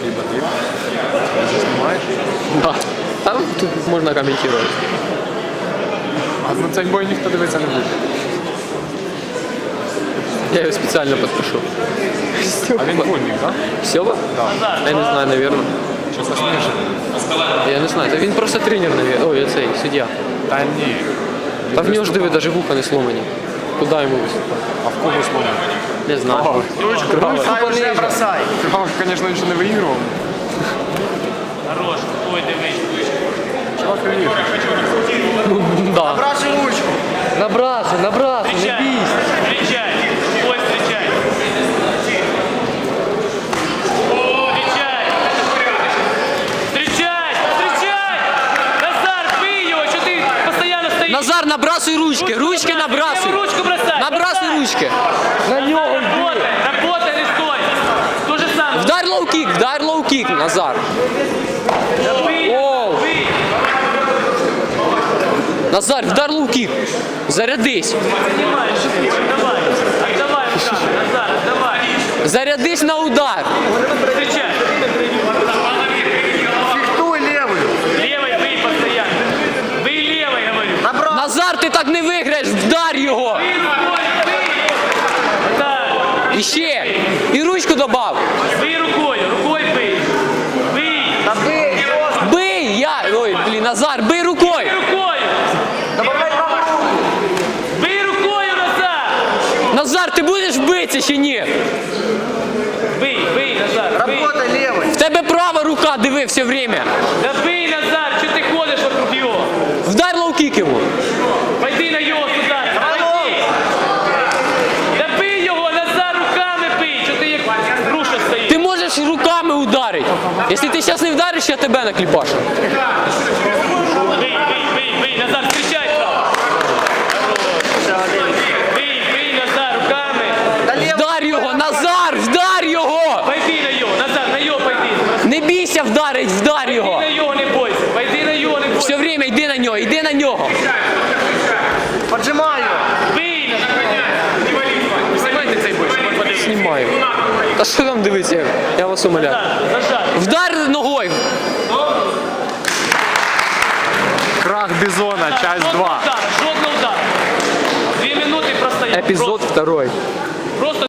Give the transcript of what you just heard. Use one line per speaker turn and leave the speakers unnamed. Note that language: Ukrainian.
либо ты. Ты же снимаешь.
Да. Там тут можна коментувати.
А на цей бой ніхто дивитися не буде.
Я його спеціально підпишу.
А він вольник, так?
Сьоба?
Да.
Я не знаю, напевно.
Щось смішно.
Я не знаю. Та він просто тренер, напевно. Ой, цей, суддя.
Та ні.
Та в нього ж диви, навіть вуха не сломані. Куди йому виступати?
А в кого сломано?
Не знаю.
Кравов, звісно, ще не виігрував.
Хорош, ой, дивись.
Чувак виіграв.
Да.
Набрасывай ручку.
Набрасуй, не
Встречай,
бійся.
встречай, ой, встречай. О, встречай. Встречай, встречай. Назар, бей его, что ты постоянно стоишь?
Назар, набрасуй ручки, ручки набрасуй.
Левую ручку бросай.
Набрасуй
бросай.
ручки. На нього.
Работай, работай, не стой. То же самое.
Вдар лоу-кік, Назар.
Бей,
Оу.
бей.
Назар, вдар лоу-кік. Зарядись.
Понимаешь, давай. Отдавай руками, Назар, отдавай.
Зарядись на удар.
Встречай.
Фехтуй левую.
Левой бей постоянно. Бей левой, говорю.
Назар, ти так не виграєш, вдар його.
Бей рукой, бей. Да.
І ще. І ручку добав.
Бей рукой, рукой бей. Бей.
Да бей.
Бий, ой, блін, Назар, бий рукою.
Бей рукой.
Добавляй правую руку.
Бей рукой, Назар.
Назар, ти будеш битися чи ні?
Бей, Назар, бей.
Работай левой.
В тебе права рука, диви, все время.
Да бей, Назар, что ты ходишь вокруг него?
Вдар лоу-кік йому.
Пойди на его сюда. Пойди. Да бей его, Назар, руками бей. Что ты как груша стоишь?
Ти можеш руками ударити. Якщо ти зараз не вдариш, я тебе накліпашу.
Бей, Назар, встречай право. Бей, Назар, руками.
Да левой.
Вдар його, Назар, вдар його!
Пойди на его, Назар, на его пойди.
Не бійся вдарить, вдар
Пойди
його.
на его, не бойся. Пойди на его, не бойся.
Все время йди на нього, йди на нього.
Поджимаю.
Бей, Назар.
Знімайте цей бой, щоб ми подивилися.
Знімаю. Та що там дивиться? Я вас умоляю.
Назар, зажать.
Вдар ногою.